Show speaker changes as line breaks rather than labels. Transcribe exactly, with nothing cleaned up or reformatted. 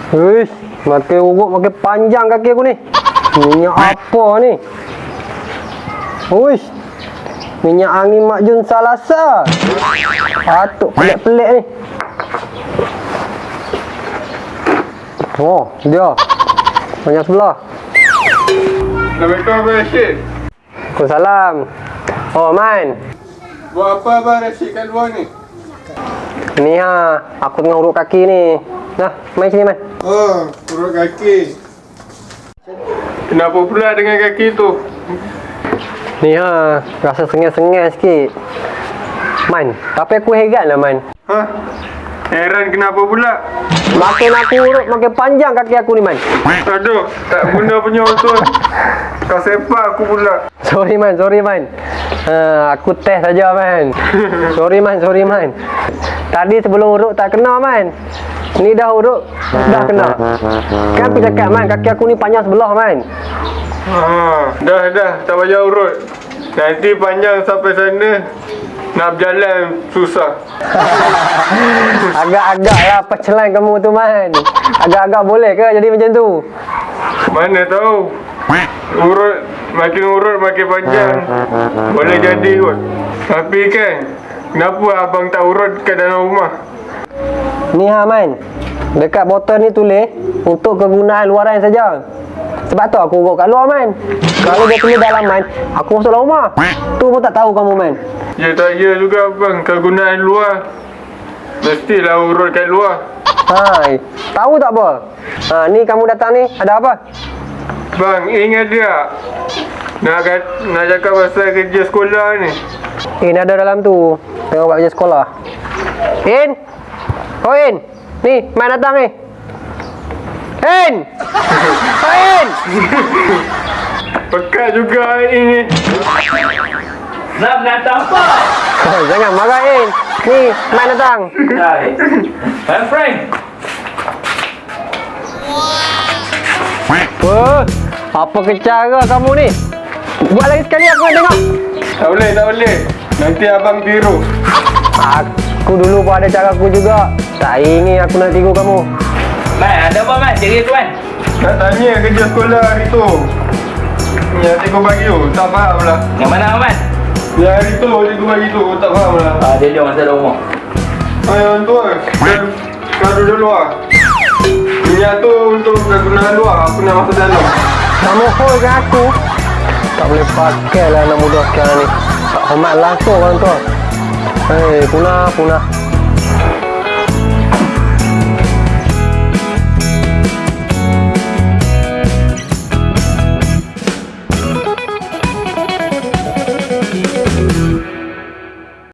Huish, makin urut makin panjang kaki aku ni. Minyak apa ni? Huish, minyak angin Mak Jun Salasa. Patut pelik-pelik ni. Oh, dia. Banyak sebelah.
Assalamualaikum Abang Rashid.
Waalaikumsalam. Oh, Man.
Buat apa Abang Rashid kat luar ni?
Ni ha, aku tengah urut kaki ni. Nah, main sini, Man.
Oh, urut kaki. Kenapa pula dengan kaki tu?
Ni ha, rasa sengih-sengih sikit. Man, tapi aku heran lah, Man.
Ha? Heran kenapa pula?
Makin aku urut, makin panjang kaki aku ni, Man.
Aduh, tak guna punya betul. Kau sepak aku pula.
Sorry, Man. Sorry, Man. Ha, aku test saja, Man. Sorry, Man. Sorry, Man. Tadi sebelum urut tak kena, Man. Ni dah urut, dah kena. Kan aku cakap, Man, kaki aku ni panjang sebelah, Man.
Ha, dah dah, tak payah urut. Nanti panjang sampai sana, nak berjalan susah.
Agak-agak lah pecelan kamu tu, Man. Agak-agak boleh ke jadi macam tu?
Mana tahu. Urut, makin urut makin panjang. Boleh jadi kot. Tapi kan, kenapa abang tak urut kat dalam rumah?
Ni ha, Man. Dekat botol ni tulis untuk kegunaan luaran saja. Sebab tu aku urut kat luar, Man. Kalau dia tulis dalam, Man, aku masuk dalam rumah. Tu pun tak tahu kamu, Man.
Ya tak ya juga bang, kegunaan luar. Mestilah urut kat luar.
Hai, tahu tak apa? Ha, ni kamu datang ni ada apa?
Bang, ingat dia nak kat, nak cakap pasal kerja sekolah ni.
In ada dalam tu. Tengok buat kerja sekolah. In. Oh, In. Ni, Man datang ni. In. Oh, In.
Pekat juga ini.
Nak datang apa?
Oh, jangan marah, In. Ni, Man datang.
Hai. Hai Frank.
Oh, apa kecara kamu ni? Buat lagi sekali aku nak tengok.
Tak boleh, tak boleh. Nanti abang tiru.
Aku dulu pun ada cara aku juga. Tak ingin aku nak tiru kamu.
Man, ada apa man? Cerita tu man.
Nak tanya kerja sekolah hari tu. Yang cikgu bagi tu, tak faham lah.
Yang mana man?
Yang hari tu, cikgu bagi tu, tak faham lah.
Ah, dia dia masa dalam rumah.
Ah, yang tu lah. Kan, kadu dulu lah. Minyak tu untuk kegunaan luar, aku nak masuk dalam.
Kamu hold kan aku? Tak boleh pakai lah anak muda sekarang ni. Tak hormat langsung orang tu. Hei, punah, punah.